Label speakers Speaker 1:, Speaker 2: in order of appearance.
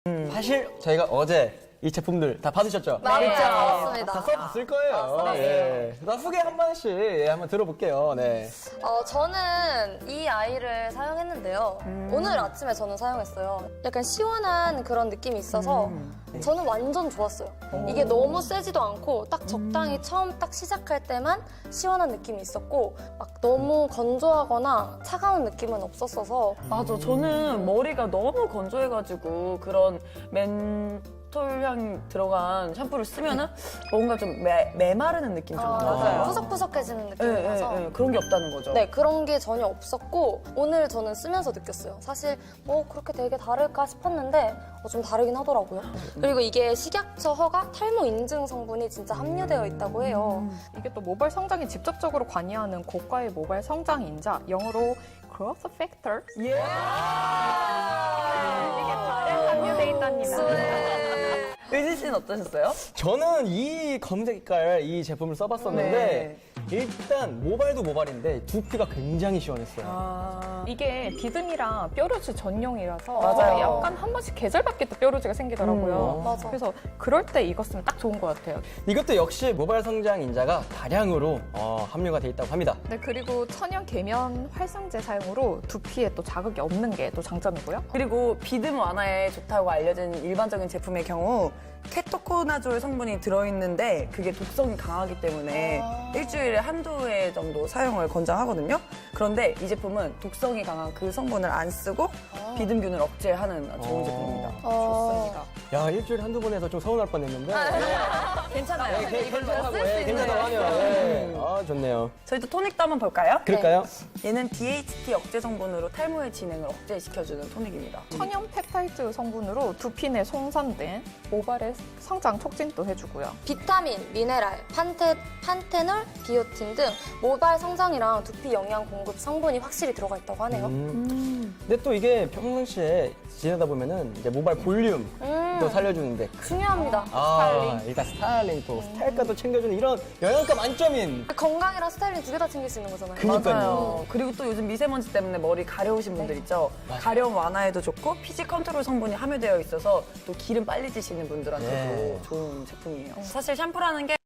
Speaker 1: 사실 저희가 어제 이 제품들 다 받으셨죠?
Speaker 2: 네, 받았습니다.
Speaker 1: 다 써봤을 거예요. 예. 나 후기 한 번씩 한번 들어볼게요. 네.
Speaker 2: 저는 이 아이를 사용했는데요. 오늘 아침에 저는 사용했어요. 약간 시원한 그런 느낌이 있어서 저는 완전 좋았어요. 이게 너무 세지도 않고 딱 적당히 처음 딱 시작할 때만 시원한 느낌이 있었고 막 너무 건조하거나 차가운 느낌은 없었어서
Speaker 3: 맞아. 저는 머리가 너무 건조해가지고 그런 멘톨향 들어간 샴푸를 쓰면은 뭔가 좀 메마르는 느낌 좀 나요.
Speaker 2: 푸석푸석해지는 느낌이 나서
Speaker 3: 그런 게 없다는 거죠.
Speaker 2: 네, 그런 게 전혀 없었고 오늘 저는 쓰면서 느꼈어요. 사실 뭐 그렇게 되게 다를까 싶었는데 좀 다르긴 하더라고요. 그리고 이게 식약처 허가 탈모 인증 성분이 진짜 함유되어 있다고 해요.
Speaker 4: 이게 또 모발 성장에 직접적으로 관여하는 고가의 모발 성장 인자, 영어로 growth factor. 이게 다량 함유돼 있답니다.
Speaker 3: 의진 씨는 어떠셨어요?
Speaker 1: 저는 이 검색 색깔 이 제품을 써봤었는데 일단 모발도 모발인데 두피가 굉장히 시원했어요.
Speaker 4: 이게 비듬이랑 뾰루지 전용이라서
Speaker 3: 맞아요.
Speaker 4: 약간 한 번씩 계절밖에 또 뾰루지가 생기더라고요.
Speaker 2: 맞아.
Speaker 4: 그래서 그럴 때 이거 쓰면 딱 좋은 것 같아요.
Speaker 1: 이것도 역시 모발 성장 인자가 다량으로 함유가 돼 있다고 합니다.
Speaker 4: 네, 그리고 천연 계면 활성제 사용으로 두피에 또 자극이 없는 게 또 장점이고요.
Speaker 3: 그리고 비듬 완화에 좋다고 알려진 일반적인 제품의 경우 케토코나졸 성분이 들어있는데 그게 독성이 강하기 때문에 일주일에 한두 회 정도 사용을 권장하거든요. 그런데 이 제품은 독성이 강한 그 성분을 안 쓰고 비듬균을 억제하는 좋은 제품입니다.
Speaker 4: 좋습니다.
Speaker 1: 야, 일주일에 한두 번 해서 좀 서운할 뻔했는데.
Speaker 3: 괜찮아요.
Speaker 1: 괜찮다고 하네요. 예. 좋네요.
Speaker 3: 저희도 토닉도 한번 볼까요?
Speaker 1: 그럴까요?
Speaker 3: 얘는 DHT 억제 성분으로 탈모의 진행을 억제시켜주는 토닉입니다.
Speaker 4: 천연 펩타이드 성분으로 두피 내 송산된 모발의 성장 촉진도 해주고요.
Speaker 2: 비타민, 미네랄, 판테놀, 비오틴 등 모발 성장이랑 두피 영양 공급 성분이 확실히 들어가 있다고 하네요.
Speaker 1: 근데 또 이게 평상시에 지내다 보면은 이제 모발 볼륨도 살려주는데
Speaker 2: 중요합니다.
Speaker 1: 일단 스타일링 또 스타일까도 챙겨주는 이런 영양가 만점인
Speaker 2: 건강이랑 스타일링 두 개 다 챙길 수 있는 거잖아요.
Speaker 1: 그니까요.
Speaker 3: 그리고 또 요즘 미세먼지 때문에 머리 가려우신 분들 있죠. 가려움 완화에도 좋고 피지 컨트롤 성분이 함유되어 있어서 또 기름 빨리 지시는 분들한테도
Speaker 1: 네.
Speaker 3: 좋은 제품이에요. 사실 샴푸라는 게